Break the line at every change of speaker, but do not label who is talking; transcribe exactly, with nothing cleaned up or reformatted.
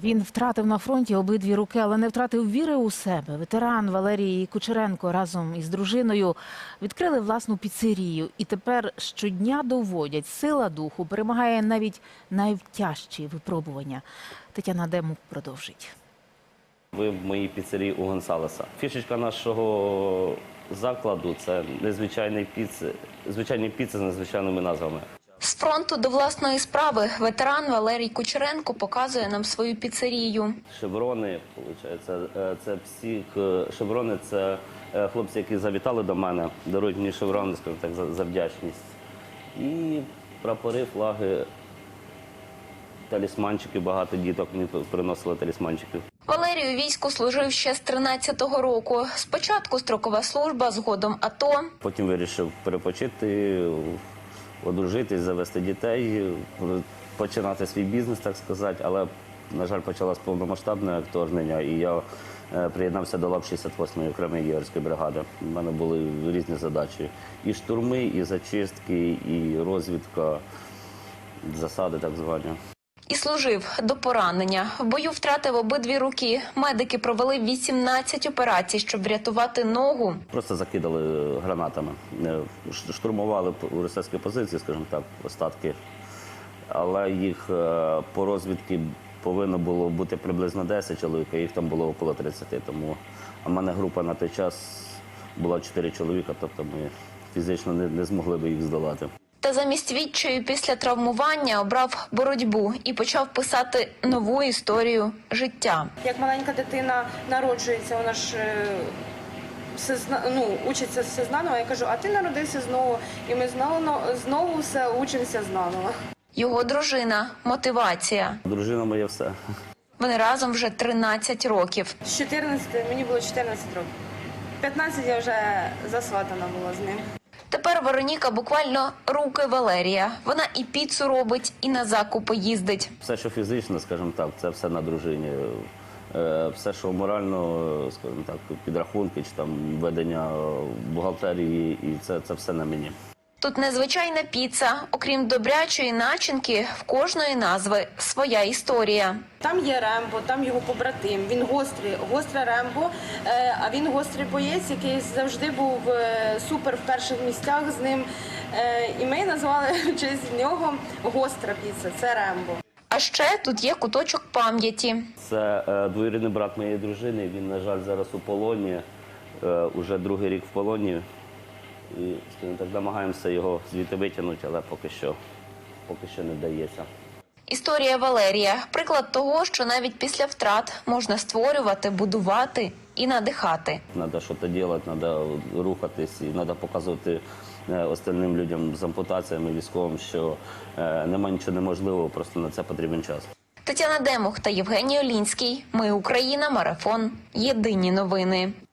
Він втратив на фронті обидві руки, але не втратив віри у себе. Ветеран Валерій Кучеренко разом із дружиною відкрили власну піцерію. І тепер щодня доводять, сила духу перемагає навіть найтяжчі випробування. Тетяна Демух продовжить.
Ви в моїй піцерії у Гонсалеса. Фішечка нашого закладу – це незвичайні піци, звичайні піци з незвичайними назвами.
З фронту до власної справи ветеран Валерій Кучеренко показує нам свою піцерію.
Шеврони, виходить, це всі шеврони, це хлопці, які завітали до мене, дарують мені шеврони, скажімо так, за, за вдячність. І прапори, флаги, талісманчики, багато діток мені приносили талісманчиків.
Валерій у війську служив ще з тринадцятого року. Спочатку строкова служба, згодом АТО.
Потім вирішив перепочити, одружитись, завести дітей, починати свій бізнес, так сказати. Але, на жаль, почалось повномасштабне вторгнення, і я приєднався до лап шістдесят восьмої окремої єгерської бригади. У мене були різні задачі. І штурми, і зачистки, і розвідка, засади так звані.
І служив до поранення. В бою втратив обидві руки. Медики провели вісімнадцять операцій, щоб врятувати ногу.
Просто закидали гранатами. Штурмували російські позиції, скажімо так, остатки. Але їх по розвідці повинно було бути приблизно десять чоловік, а їх там було около тридцяти. Тому у мене група на той час була чотири чоловіка, тобто ми фізично не, не змогли би їх здолати.
Та замість відчаю після травмування обрав боротьбу і почав писати нову історію життя.
Як маленька дитина народжується, вона ж е, все зна, ну, учиться все знаново. Я кажу, а ти народився знову, і ми знову, знову все учимося знаново.
Його дружина – мотивація.
Дружина моя все.
Вони разом вже тринадцять років.
З чотирнадцяти, мені було чотирнадцять років. п'ятнадцять я вже засватана була з ним.
Тепер Вероніка буквально руки Валерія. Вона і піцу робить, і на закупи їздить.
Все, що фізично, скажімо так, це все на дружині. Все, що морально, скажімо так, підрахунки чи там ведення бухгалтерії, і це, це все на мені.
Тут незвичайна піца. Окрім добрячої начинки, в кожної назви своя історія.
Там є Рембо, там його побратим. Він гострий, гостре Рембо, а він гострий боєць, який завжди був супер в перших місцях з ним. І ми назвали в честь нього гостра піца, це Рембо.
А ще тут є куточок пам'яті.
Це е, двоюрідний брат моєї дружини, він, на жаль, зараз у полоні, е, уже другий рік в полоні. І, скажімо так, намагаємося його звідти витягнути, але поки що, поки що не вдається.
Історія Валерія – приклад того, що навіть після втрат можна створювати, будувати і надихати.
Треба щось робити, треба рухатись і треба показувати остальним людям з ампутаціями, військовим, що е, немає нічого неможливого, просто на це потрібен час.
Тетяна Демух та Євгеній Олінський. Ми Україна. Марафон. Єдині новини.